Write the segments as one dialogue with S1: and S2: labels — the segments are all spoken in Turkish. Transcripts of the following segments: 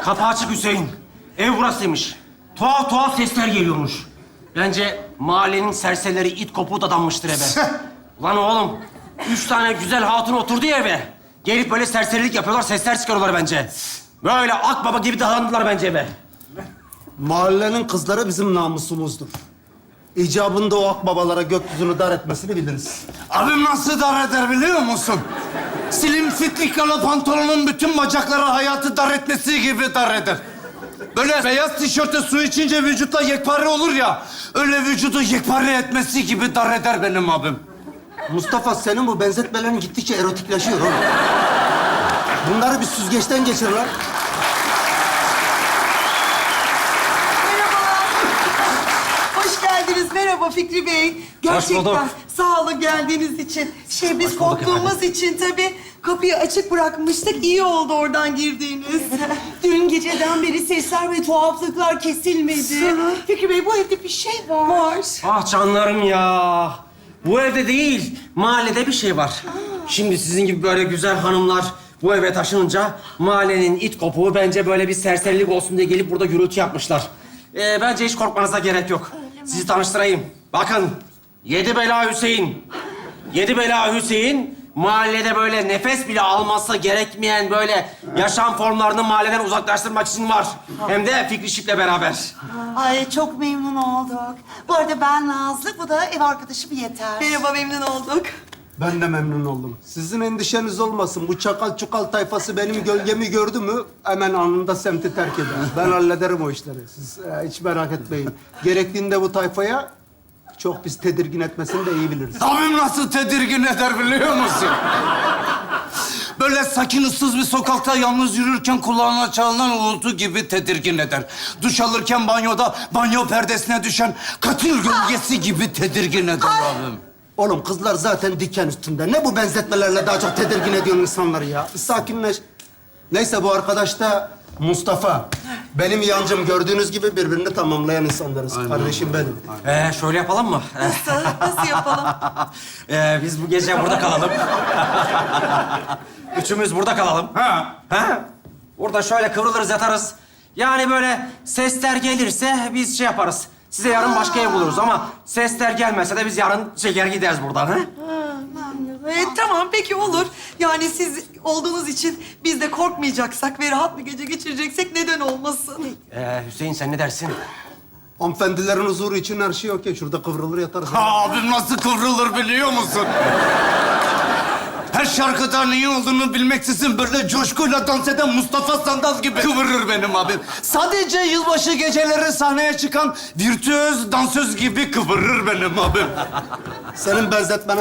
S1: Kapı açık Hüseyin. Ev burasıymış. Tuhaf tuhaf sesler geliyormuş. Bence mahallenin serserileri it kopuğu dadanmıştır eve. Ulan oğlum, 3 tane güzel hatun oturdu ya eve. Gelip böyle serserilik yapıyorlar, sesler çıkarıyorlar bence. Böyle akbaba gibi dadandılar bence eve.
S2: Mahallenin kızları bizim namusumuzdur. İcabında o akbabalara gökyüzünü dar etmesini biliriz.
S3: Abim nasıl dar eder biliyor musun? Slim fitlikalı pantolonun bütün bacakları hayatı dar etmesi gibi dar eder. Böyle beyaz tişörte su içince vücutla yekpare olur ya... ...öyle vücudu yekpare etmesi gibi dar eder benim abim.
S2: Mustafa, senin bu benzetmelerin gittikçe erotikleşiyor oğlum. Bunları bir süzgeçten geçir lan.
S4: Hoş geldiniz. Merhaba Fikri Bey. Gerçekten
S1: bulduk.
S4: sağ olun geldiğiniz için. Biz korktuğumuz için tabii kapıyı açık bırakmıştık. İyi oldu oradan girdiğiniz. Dün geceden beri sesler ve tuhaflıklar kesilmedi. Fikri Bey, bu evde bir şey var.
S1: Ah canlarım ya. Bu evde değil, mahallede bir şey var. Şimdi sizin gibi böyle güzel hanımlar bu eve taşınınca... ...mahallenin it kopuğu bence böyle bir serserilik olsun diye gelip burada gürültü yapmışlar. Bence hiç korkmanıza gerek yok. Sizi tanıştırayım. Bakın, Yedi Bela Hüseyin. Yedi Bela Hüseyin, mahallede böyle nefes bile alması gerekmeyen böyle yaşam formlarını mahalleden uzaklaştırmak için var. Hem de Fikri Şip'le beraber.
S5: Ay çok memnun olduk. Bu arada ben Nazlı, bu da ev arkadaşım Yeter.
S4: Merhaba, memnun olduk.
S2: Ben de memnun oldum. Sizin endişeniz olmasın. Bu çakal çukal tayfası benim gölgemi gördü mü... ...hemen anında semti terk eder. Ben hallederim o işleri. Siz hiç merak etmeyin. Gerektiğinde bu tayfaya... ...çok biz tedirgin etmesini de iyi biliriz.
S3: Abim nasıl tedirgin eder biliyor musun? Böyle sakin, ıssız bir sokakta yalnız yürürken kulağına çalınan uğultu gibi tedirgin eder. Duş alırken banyoda banyo perdesine düşen katil gölgesi gibi tedirgin eder abim.
S2: Oğlum kızlar zaten diken üstünde. Ne bu benzetmelerle daha çok tedirgin ediyorsun insanları ya? Sakinleş. Neyse, bu arkadaş da Mustafa. Benim yancım, gördüğünüz gibi birbirini tamamlayan insanlarız. Kardeşim benim.
S1: Şöyle yapalım mı?
S4: Nasıl yapalım?
S1: Biz bu gece burada kalalım. Üçümüz burada kalalım.
S3: Ha.
S1: Burada şöyle kıvrılırız, yatarız. Yani böyle sesler gelirse biz şey yaparız. Size yarın başka ev buluruz ama sesler gelmese de biz yarın çeker gideriz buradan. Ha?
S4: Tamam, peki olur. Yani siz olduğunuz için biz de korkmayacaksak ve rahat bir gece geçireceksek neden olmasın?
S1: Hüseyin sen ne dersin?
S2: Hanımefendilerin huzuru için her şey okey. Şurada kıvrılır yatarız.
S3: Ha, abim nasıl kıvrılır biliyor musun? Her şarkıda neyi olduğunu bilmeksizin böyle coşkuyla dans eden Mustafa Sandal gibi kıvırır benim abim. Sadece yılbaşı geceleri sahneye çıkan virtüöz dansöz gibi kıvırır benim abim.
S2: Senin benzetmene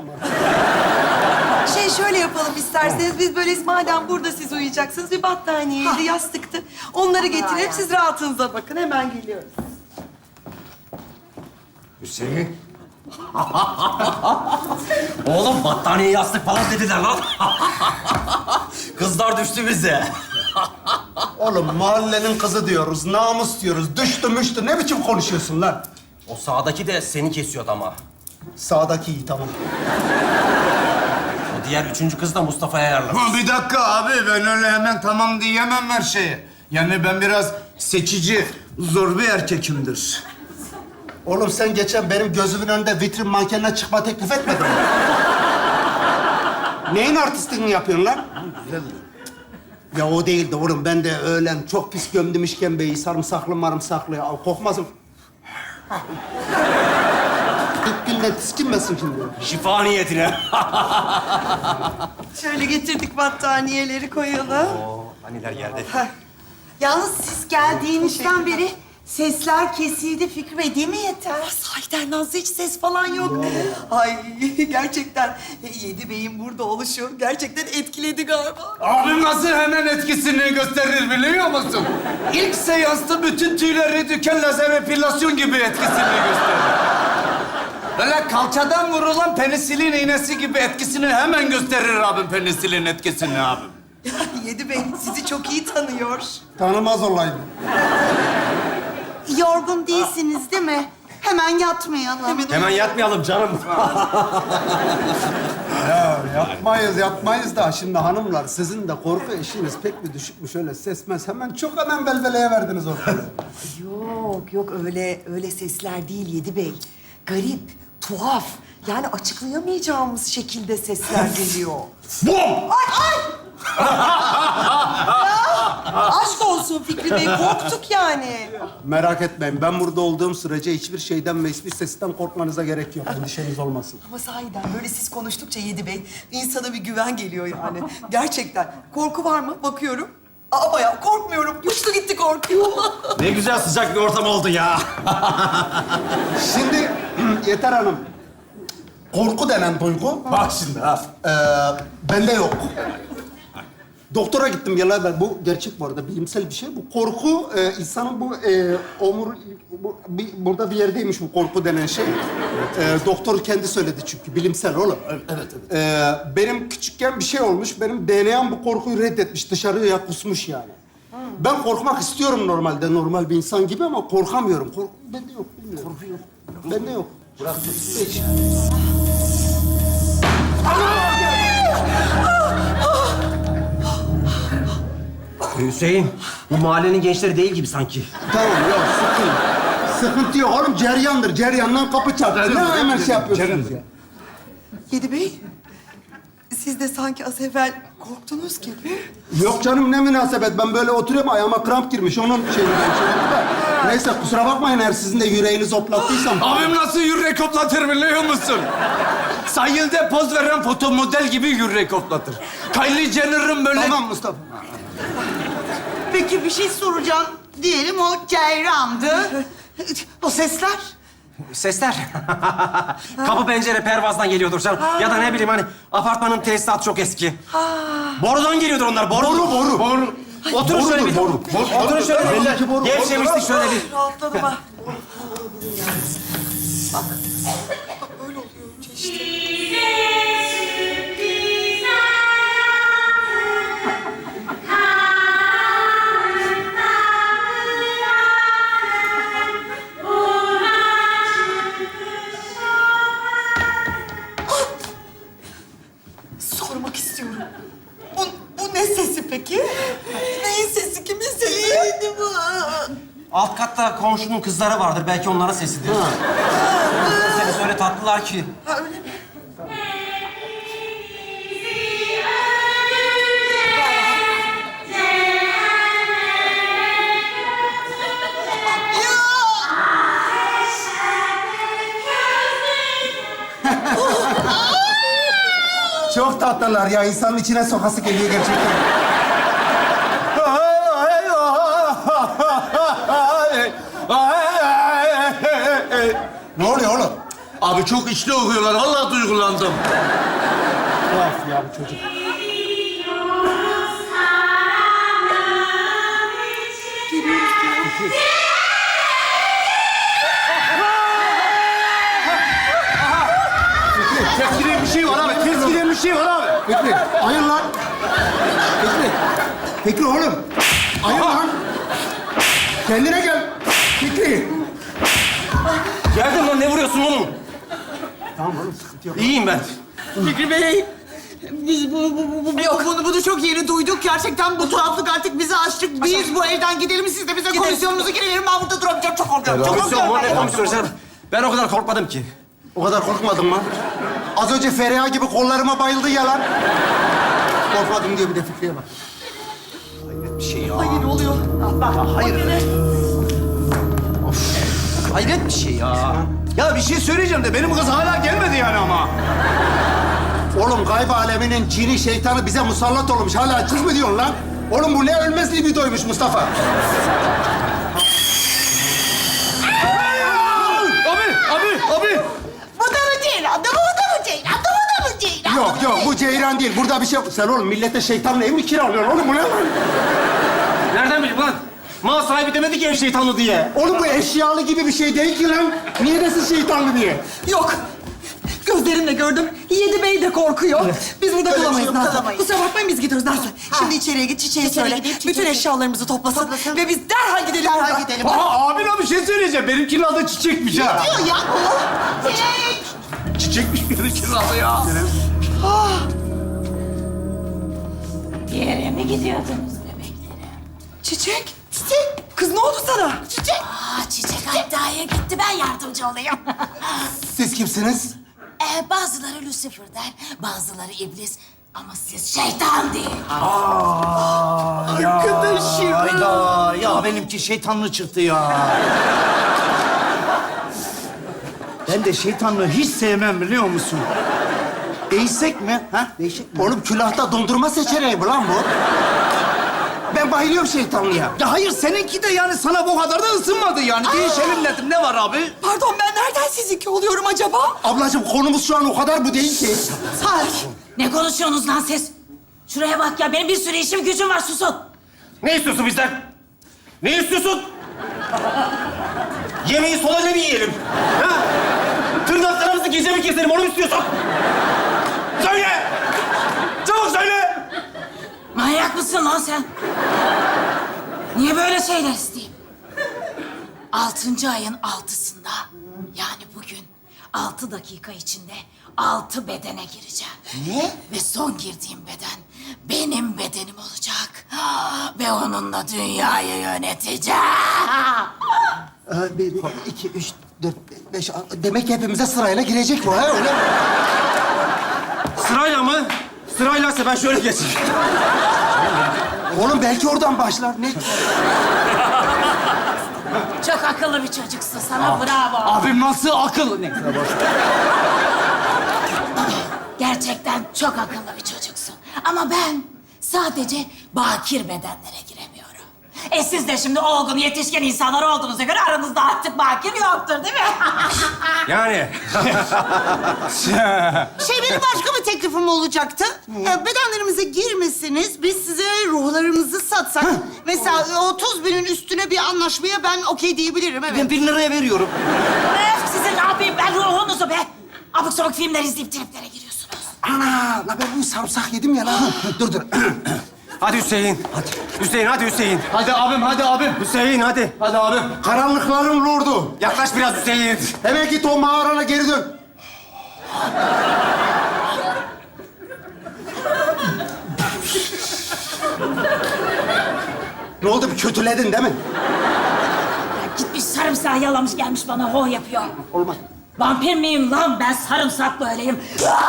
S4: Şöyle yapalım isterseniz. Biz böyle madem burada siz uyuyacaksınız bir battaniyeydi, yastıktı. Onları getirip siz rahatınıza bakın. Hemen geliyoruz.
S1: Hüseyin. Oğlum battaniye yastık falan dediler lan. Kızlar düştü bize.
S2: Oğlum mahallenin kızı diyoruz, namus diyoruz. Düştü müştü. Ne biçim konuşuyorsun lan?
S1: O sağdaki de seni kesiyordu ama.
S2: Sağdaki iyi, tamam.
S1: O diğer üçüncü kız da Mustafa'ya ayarladı.
S3: Ha, bir dakika abi, ben öyle hemen tamam diyemem her şeye. Yani ben biraz seçici, zor bir erkekimdir.
S2: Oğlum sen geçen benim gözümün önünde vitrin mankenine çıkma teklif etmedin mi? Neyin artistliğini yapıyorsun lan? Ya o değildi oğlum. Ben de öğlen çok pis gömdüm işkembeyi. Sarımsaklı marımsaklı. Ya, kokmasın. Dükkanla tiskinmesin şimdi.
S1: Şifa niyetine.
S4: Şöyle getirdik battaniyeleri koyalım.
S1: Haniler geldi.
S5: Yalnız siz geldiğinizden beri sesler kesildi Fikri Bey, değil mi Yeter?
S4: Sahiden Nazlı, hiç ses falan yok. Ay gerçekten Yedi Bey'in burada oluşu gerçekten etkiledi galiba.
S3: Abim nasıl hemen etkisini gösterir biliyor musun? İlk seansta bütün tüyleri diken lazer epilasyon gibi etkisini gösterir. Böyle kalçadan vurulan penisilin iğnesi gibi etkisini hemen gösterir abim, penisilin etkisini abim.
S4: Yedi Bey sizi çok iyi tanıyor.
S2: Tanımaz olaydı.
S5: Yorgun değilsiniz değil mi? Hemen yatmayalım.
S1: Hemen yatmayalım canım.
S2: Ya yapmayız da şimdi hanımlar sizin de korku eşiğiniz pek bir düşükmüş öyle sesmez. Hemen belveleye verdiniz ortalığı.
S4: Yok öyle sesler değil Yedi Bey. Garip, tuhaf. Yani açıklayamayacağımız şekilde sesler geliyor.
S3: Bom!
S4: Aşk olsun Fikri Bey, korktuk yani.
S2: Merak etmeyin ben burada olduğum sürece hiçbir şeyden ve hiçbir sesten korkmanıza gerek yok. Endişeniz olmasın.
S4: Ama sahiden böyle siz konuştukça Yedi Bey, insana bir güven geliyor yani. Gerçekten. Korku var mı? Bakıyorum. Aa bayağı korkmuyorum. Uçtu gitti korkuyor.
S1: Ne güzel sıcak bir ortam oldu ya.
S2: Şimdi Yeter Hanım. Korku denen duygu
S3: Bak şimdi ha.
S2: bende yok. Doktora gittim yıllar evvel. Bu gerçek bu arada, bilimsel bir şey. Bu korku, insanın bu burada bir yerdeymiş bu korku denen şey. Doktor kendi söyledi çünkü, bilimsel oğlum.
S3: Evet.
S2: Benim küçükken bir şey olmuş, benim DNA'm bu korkuyu reddetmiş, dışarıya kusmuş yani. Ben korkmak istiyorum normalde, normal bir insan gibi ama korkamıyorum. Korku bende yok, bilmiyorum. Korku yok. Bende yok. Bırak hiç.
S1: Hüseyin, bu mahallenin gençleri değil gibi sanki.
S2: Tamam yok, sıkıntı yok oğlum, ceryandır. Ceryandan kapı çarptı. Ne hemen şey yapıyorsunuz ya?
S4: Yedi Bey, siz de sanki az evvel korktunuz gibi.
S2: Yok canım, ne münasebet. Ben böyle oturuyorum, ayağıma kramp girmiş. Onun şeyinden da. Neyse, kusura bakmayın eğer sizin de yüreğinizi hoplattıysam.
S3: Abim nasıl yürek hoplatır biliyor musun? Sahilde poz veren foto model gibi yürek hoplatır. Kylie Jenner'ın böyle...
S2: Tamam Mustafa.
S5: Peki bir şey soracağım. Diyelim o ceyrandı. O sesler?
S1: Sesler. Kapı pencere pervazdan geliyordur canım. Ya da ne bileyim hani apartmanın tesisatı çok eski. Borudan geliyordur onlar. Boru. Oturun şöyle bir.
S2: Boru.
S1: Oturun şöyle bir.
S2: Belli ki boru.
S1: Gevşemiştik şöyle bir.
S4: Rahatladım ha. Bak böyle oluyor önce işte. Sormak istiyorum. Bu ne sesi peki? Neyin sesi? Kimin sesi? Neydi bu?
S1: Alt katta komşunun kızları vardır. Belki onların sesidir. Sesi öyle tatlılar ki.
S4: Ha öyle mi?
S2: Çok tatlılar ya. İnsanın içine sokası geliyor gerçekten. Ne oluyor oğlum?
S3: Abi çok içli okuyorlar. Vallahi duygulandım.
S2: Tuhaf ya bu çocuk.
S3: Tezgire bir şey var abi. Tezgire bir şey var abi.
S2: Fikri, ayır lan. Fikri oğlum. Ayır lan. Kendine gel. Fikri.
S1: Geldim lan, ne vuruyorsun oğlum?
S2: Tamam oğlum, sıkıntı yok.
S1: İyiyim ben.
S5: Fikri Bey, biz bunu çok yeni duyduk. Gerçekten bu tuhaflık artık bizi aştık. Biz bu evden gidelim, siz de bize komisyonumuzu geri verin. Ben burada duramayacağım, çok korkuyorum. Çok
S1: Komisyon mu? Ne
S5: korkuyorum.
S1: komisyonu canım? Ben o kadar korkmadım ki.
S2: O kadar korkmadın mı? Az önce Feriha gibi kollarıma bayıldı ya lan. Korkmadım diyor, bir de Fikri'ye bak.
S3: Bir şey ya.
S4: Ay ne oluyor?
S3: Hayret bir şey ya. Ya bir şey söyleyeceğim de benim kız hala gelmedi yani ama.
S2: Oğlum gayb aleminin cini şeytanı bize musallat olmuş. Hala kız mı diyorsun lan? Oğlum bu ne ölmez libidoymuş Mustafa.
S3: Abi.
S5: Bu da mı Ceylan? Bu da mı Ceylan? Bu da mı Ceylan?
S2: Yok bu ceyran değil. Burada bir şey yok. Sen oğlum millete şeytanla ev mi kiralıyorsun oğlum bu ne lan?
S1: Nereden bileyim lan? Mal sahibi demedi ki ev şeytanlı diye.
S2: Oğlum bu eşyalı gibi bir şey değil ki lan. Niye desin şeytanlı diye?
S4: Yok. Gözlerimle gördüm. Yedi Bey de korkuyor. Biz burada
S5: Öyle bir
S4: kalamayız
S5: şey yok,
S4: Nazlı.
S5: kalamayız.
S4: Kusura bakmayın biz gidiyoruz Nazlı. Şimdi içeriye git, çiçeği söyle.
S5: gideyim,
S4: Bütün
S5: çiçeği.
S4: eşyalarımızı toplasın. Ve biz derhal gidelim
S5: Derhal
S4: buradan.
S5: gidelim.
S3: Aa, abine bir şey söyleyeceğim. Benimkinin adı Çiçek'miş ha.
S5: Diyor ya. Çiçek.
S3: Çiçekmiş benimkinin adı ya.
S6: Bir yere mi gidiyordunuz bebeklerim?
S4: Çiçek, Çiçek. Kız ne oldu sana? Çiçek.
S6: Çiçek Hayda'ya gitti, ben yardımcı olayım.
S2: Siz kimsiniz?
S6: Bazıları Lucifer der, bazıları iblis. Ama siz şeytan değil.
S4: Arkadaşım.
S3: Hayda, ya benimki şeytanlı çıktı ya. Ben de şeytanlığı hiç sevmem biliyor musun? Değişsek mi? Ha? Değişik mi?
S2: Oğlum külahta dondurma seçeneği mi lan bu? Ben bayılıyorum şeytanlığa.
S3: Ya hayır, seninki de yani sana bu kadar da ısınmadı yani. Değişelim dedim. Ne var abi?
S4: Pardon, ben nereden sizinki oluyorum acaba?
S2: Ablacığım konumuz şu an o kadar bu değil ki.
S4: Salih.
S6: Ne konuşuyorsunuz lan siz? Şuraya bak ya, benim bir sürü işim gücüm var, susun.
S1: Ne istiyorsun bizden? Ne istiyorsun? Yemeği sola ne mi yiyelim? Ha? Tırnaklarımızı gece mi keselim, onu mu istiyorsun? Söyle! Çabuk söyle!
S6: Manyak mısın lan sen? Niye böyle şeyler isteyeyim? 6. ayın 6'sında, yani bugün 6 dakika içinde 6 bedene gireceğim.
S3: Ne?
S6: Ve son girdiğim beden benim bedenim olacak. Ve onunla dünyayı yöneteceğim.
S2: Bir, iki, üç, dört, beş, demek ki hepimize sırayla girecek bu ha öyle mi?
S1: Sırayla mı? Sıraylaysa ben şöyle geçeyim.
S2: Oğlum belki oradan başlar. Ne?
S6: Çok akıllı bir çocuksun, sana bravo.
S3: Abim nasıl akıllı? Ne?
S6: Gerçekten çok akıllı bir çocuksun. Ama ben sadece bakir bedenlere giremiyorum. Siz de şimdi olgun, yetişkin insanlar olduğunuza göre aranızda artık bakir yoktur, değil mi?
S1: Yani.
S5: Benim başka bir teklifim olacaktı. Bedenlerimize girmesiniz, biz size ruhlarımızı satsak. Mesela 30 binin üstüne bir anlaşmaya ben okey diyebilirim, evet.
S3: Ben 1000 liraya veriyorum.
S6: Sizin ne yapayım ben ruhunuzu be? Abuk sabuk filmler izleyip triplere giriyorsunuz.
S2: Ana, la ben bu sarımsak yedim ya lan. Dur.
S1: Hadi Hüseyin. Hadi. Hüseyin, hadi Hüseyin.
S3: Hadi abim, hadi abim.
S1: Hüseyin, hadi.
S3: Hadi abim.
S2: Karanlıkların lordu.
S1: Yaklaş biraz Hüseyin.
S2: Hemen git o mağarana geri dön. Ne oldu? Bir kötüledin değil mi?
S6: Ya gitmiş sarımsağı yalamış gelmiş bana ho yapıyor.
S2: Olmaz.
S6: Vampir miyim lan ben, sarımsak böyleyim.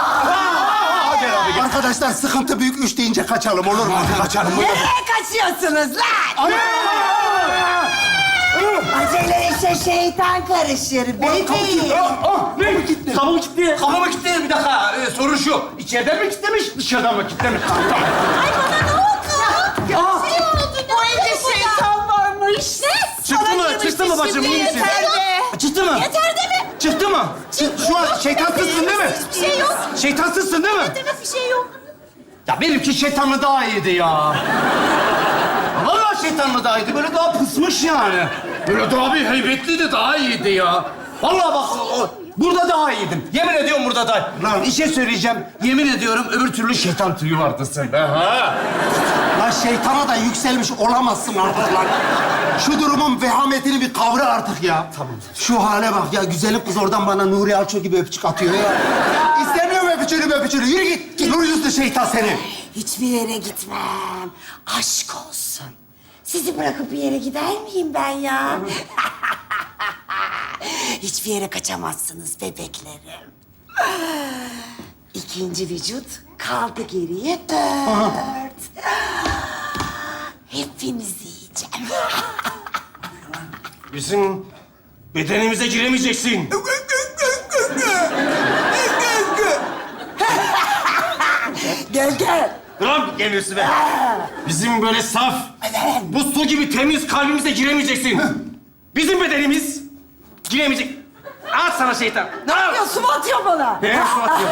S2: Arkadaşlar sıkıntı büyük. 3 deyince kaçalım olur mu? Kaçalım.
S5: Nereye kaçıyorsunuz lan? Acele işe şeytan karışır bebeğim.
S1: Ne? Gitti. Kabım gitti.
S3: Kafama kilitledim bir dakika. Sorun şu. İçeriden mi kilitlemiş, dışarıdan mı kilitlemiş?
S5: Ay bana ne oldu? Bu evde şeytan varmış. Ne?
S1: Çıktı mı? Çıktı mı bacım? İyi misin?
S5: Yeter be.
S3: Çıktı mı?
S5: Yeter değil mi?
S3: Çıktı mı? Şu an şeytansızsın değil mi?
S5: Hiçbir şey yok.
S3: Şeytansızsın değil mi?
S5: Demek bir şey yok.
S3: Ya benimki şeytanlı daha iyiydi ya. Vallahi şeytanlı daha iyiydi. Böyle daha pısmış yani. Böyle daha bir heybetliydi, daha iyiydi ya. Vallahi bak, burada daha iyiydim. Yemin ediyorum burada daha. Lan bir şey söyleyeceğim. Yemin ediyorum öbür türlü şeytan tüyü vardı sende. Ha?
S2: Lan şeytana da yükselmiş olamazsın artık lan. Şu durumun vehametini bir kavra artık ya. Tamam. Şu hale bak ya, güzelim kız oradan bana Nuri Alço gibi öpücük atıyor ya. İstemiyorum öpücüğünü. Yürü git. Nur yüzlü şeytan seni.
S5: Hiçbir yere gitmem. Aşk olsun. Sizi bırakıp bir yere gider miyim ben ya? Hiçbir yere kaçamazsınız bebeklerim. İkinci vücut kaldı geriye 4. Hepinizi yiyeceğim.
S1: Bizim bedenimize giremeyeceksin.
S5: Gel.
S1: Lan geliyorsun be. Bizim böyle saf, bu su gibi temiz kalbimize giremeyeceksin. Bizim bedenimiz giremeyecek. Al sana şeytan.
S5: Ne yapıyorsun? Atıyor bana.
S1: He, su atıyor.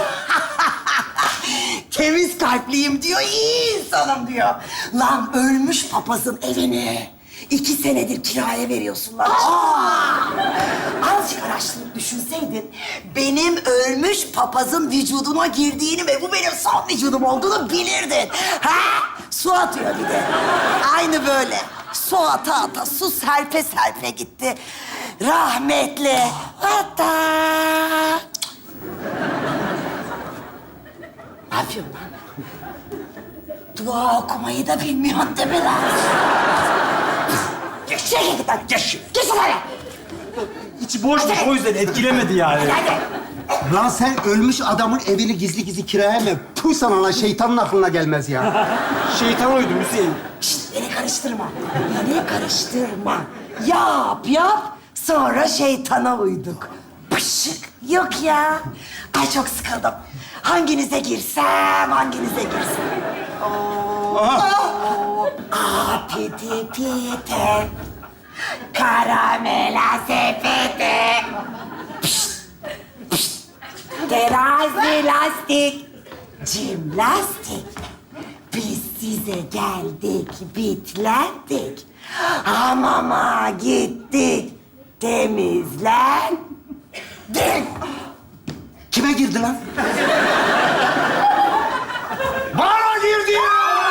S5: Temiz kalpliyim diyor, iyi insanım diyor. Lan ölmüş papazın evini 2 senedir kiraya veriyorsun lan. Azıcık araştırıp düşünseydin, benim ölmüş papazın vücuduna girdiğini ve bu benim son vücudum olduğunu bilirdin. Ha? Su atıyor bir de. Aynı böyle. Su ata, su serpe gitti. Rahmetli. Hatta... Ne yapıyorsun lan? Dua okumayı da bilmiyorsun değil mi lan? Geç. Git lan. Geç. Geç lan.
S1: İçi boşmuş o yüzden etkilemedi yani.
S5: Hadi.
S2: Lan sen ölmüş adamın evini gizli gizli kiraya mı? Puh sana lan, şeytanın aklına gelmez ya.
S1: Şeytan oydu Hüseyin.
S5: Şşt, beni karıştırma. Beni karıştırma. Yap. Sonra şeytana uyduk. Pışık. Yok ya. Ay çok sıkıldım. Hanginize girsem. Piti pite. Karamela sepete. Terazi lastik. Cimnastik. Biz size geldik, bitlendik. Hamama gittik, temizlendik.
S2: Kime girdi lan?
S3: Bana girdi ya!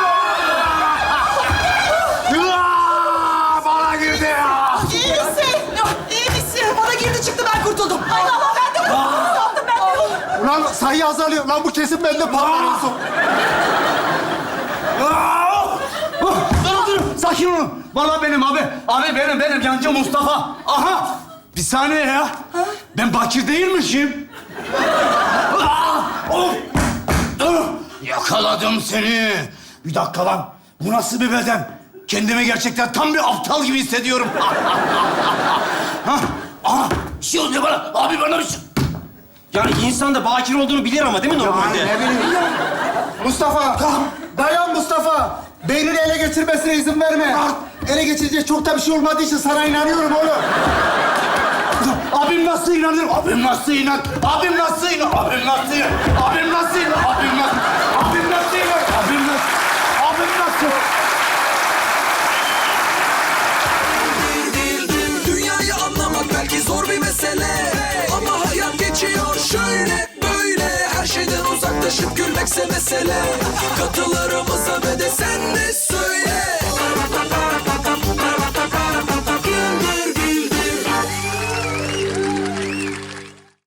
S3: Bana girdi ya!
S4: İyi misin? İyi misin? Bana girdi çıktı ben kurtuldum. Ay Allah ben de kurtuldum.
S2: Ulan sayı azalıyor. Lan bu kesin bende patlar en son.
S3: Dur, sakin olun. Vallahi benim abi. Abi benim yancı Mustafa. Aha! Bir saniye ya. Ben Bakir değilmişim. Of! Yakaladım seni. Bir dakika lan. Bu nasıl bir beden? Kendimi gerçekten tam bir aptal gibi hissediyorum. Aha! Bir şey oluyor bana. Abi bana bir şey...
S1: Yani insan da bakir olduğunu bilir ama değil mi normalde?
S2: Ne bileyim. Mustafa, dayan Mustafa. Beynini ele geçirmesine izin verme. Ele geçirecek çok da bir şey olmadığı için sana inanıyorum oğlum.
S3: Abim nasıl inanır? Abim nasıl inan? Abim nasıl inan? Abim nasıl inan? Abim nasıl inan? Abim nasıl? Abim nasıl inan? Abim nasıl? Abim nasıl?
S7: Dünyayı anlamak belki zor bir mesele, ama hayat geçiyor şöyle böyle. Her şeyden uzaklaşıp gülmekse mesele. Katılarımıza ve de sen